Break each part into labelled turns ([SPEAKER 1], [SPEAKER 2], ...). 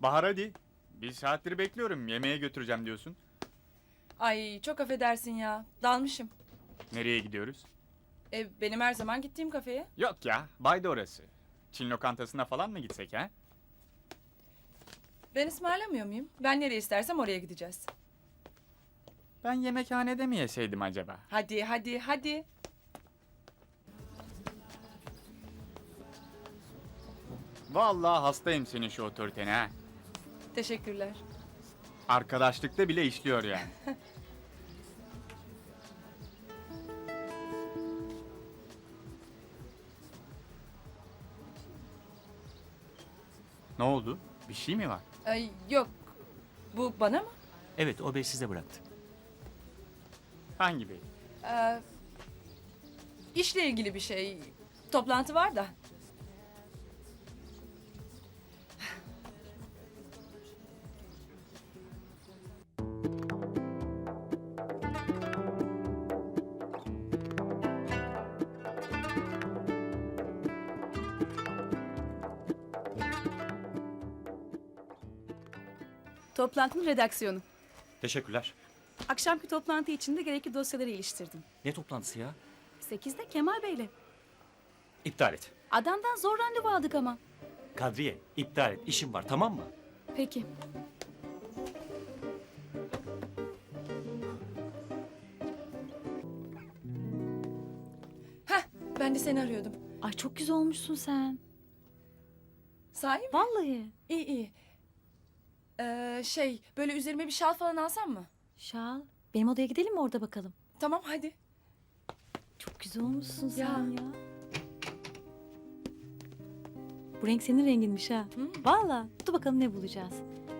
[SPEAKER 1] Bahar hadi. Bir saattir bekliyorum. Yemeğe götüreceğim diyorsun.
[SPEAKER 2] Ay çok affedersin ya. Dalmışım.
[SPEAKER 1] Nereye gidiyoruz?
[SPEAKER 2] Benim her zaman gittiğim kafeye.
[SPEAKER 1] Yok ya. Bayda orası. Çin lokantasına falan mı gitsek ha?
[SPEAKER 2] Ben ısmarlamıyor muyum? Ben nereye istersem oraya gideceğiz.
[SPEAKER 1] Ben yemekhanede mi yeseydim acaba?
[SPEAKER 2] Hadi hadi hadi.
[SPEAKER 1] Vallahi hastayım senin şu otoritene ha.
[SPEAKER 2] Teşekkürler.
[SPEAKER 1] Arkadaşlıkta bile işliyor yani. Ne oldu? Bir şey mi var?
[SPEAKER 2] Ay yok. Bu bana mı?
[SPEAKER 3] Evet, o bey size bıraktı.
[SPEAKER 1] Hangi bey?
[SPEAKER 2] İşle ilgili bir şey. Toplantı var da.
[SPEAKER 4] Toplantının redaksiyonu.
[SPEAKER 3] Teşekkürler.
[SPEAKER 4] Akşamki toplantı için de gerekli dosyaları iliştirdim.
[SPEAKER 3] Ne toplantısı ya?
[SPEAKER 4] 8'de Kemal Bey'le.
[SPEAKER 3] İptal et.
[SPEAKER 4] Adamdan zor randevu aldık ama.
[SPEAKER 3] Kadriye, iptal et. İşim var, tamam mı?
[SPEAKER 4] Peki.
[SPEAKER 2] Ben de seni arıyordum.
[SPEAKER 4] Ay çok güzel olmuşsun sen.
[SPEAKER 2] Sahi mi?
[SPEAKER 4] Vallahi.
[SPEAKER 2] İyi iyi. Böyle üzerime bir şal falan alsam mı?
[SPEAKER 4] Şal. Benim odaya gidelim mi orada bakalım?
[SPEAKER 2] Tamam hadi.
[SPEAKER 4] Çok güzel olmuşsun
[SPEAKER 2] Ya.
[SPEAKER 4] sen ya. Bu renk senin renginmiş ha.
[SPEAKER 2] Hı.
[SPEAKER 4] Vallahi. Dur bakalım ne bulacağız.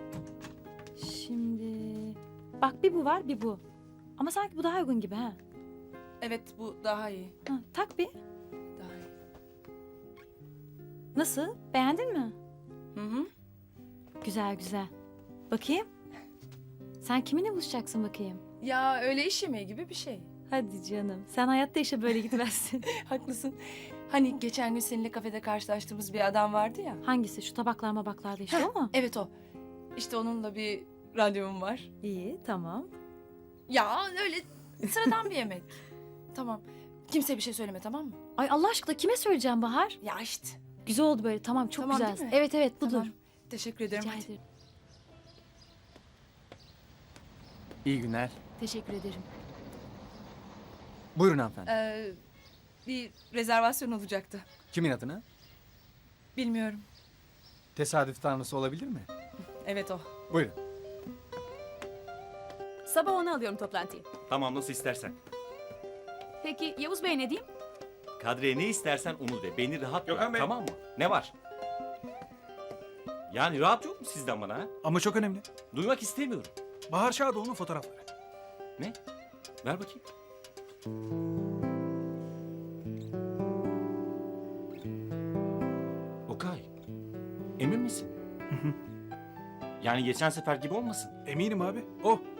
[SPEAKER 4] Şimdi... Bak bir bu var bir bu. Ama sanki bu daha uygun gibi ha.
[SPEAKER 2] Evet bu daha iyi.
[SPEAKER 4] Ha, tak bir.
[SPEAKER 2] Daha iyi.
[SPEAKER 4] Nasıl? Beğendin mi?
[SPEAKER 2] Hı hı.
[SPEAKER 4] Güzel güzel. Bakayım. Sen kiminle buluşacaksın bakayım?
[SPEAKER 2] Ya öyle iş yemeği gibi bir şey.
[SPEAKER 4] Hadi canım. Sen hayatta işe böyle gitmezsin.
[SPEAKER 2] Haklısın. Hani geçen gün seninle kafede karşılaştığımız bir adam vardı ya.
[SPEAKER 4] Hangisi? Şu tabaklar mabaklarda işte o mu?
[SPEAKER 2] Evet o. İşte onunla bir randevum var.
[SPEAKER 4] İyi tamam.
[SPEAKER 2] Ya öyle sıradan bir yemek. Tamam. Kimseye bir şey söyleme tamam mı?
[SPEAKER 4] Ay Allah aşkına kime söyleyeceğim Bahar?
[SPEAKER 2] Ya işte.
[SPEAKER 4] Güzel oldu böyle tamam çok
[SPEAKER 2] Tamam,
[SPEAKER 4] güzel.
[SPEAKER 2] değil mi?
[SPEAKER 4] Evet evet budur.
[SPEAKER 2] Tamam. Teşekkür ederim.
[SPEAKER 4] Rica
[SPEAKER 2] Hadi.
[SPEAKER 4] ederim.
[SPEAKER 5] İyi günler.
[SPEAKER 4] Teşekkür ederim.
[SPEAKER 5] Buyurun hanımefendi.
[SPEAKER 2] Bir rezervasyon olacaktı.
[SPEAKER 5] Kimin adına?
[SPEAKER 2] Bilmiyorum.
[SPEAKER 5] Tesadüf tanrısı olabilir mi?
[SPEAKER 2] Evet o.
[SPEAKER 5] Buyurun.
[SPEAKER 4] Sabah 10'a alıyorum toplantıyı.
[SPEAKER 3] Tamam, nasıl istersen.
[SPEAKER 4] Peki Yavuz Bey ne diyeyim?
[SPEAKER 3] Kadriye ne istersen onu de. Beni rahat
[SPEAKER 6] Gökhan
[SPEAKER 3] bırak,
[SPEAKER 6] Bey.
[SPEAKER 3] tamam mı? Ne var? Yani rahat yok mu sizden bana ha?
[SPEAKER 6] Ama çok önemli.
[SPEAKER 3] Duymak istemiyorum.
[SPEAKER 6] Bahar Şadoğlu'nun fotoğrafları.
[SPEAKER 3] Ne? Ver bakayım. Okay. Emin misin? Yani geçen sefer gibi olmasın.
[SPEAKER 6] Eminim abi. O.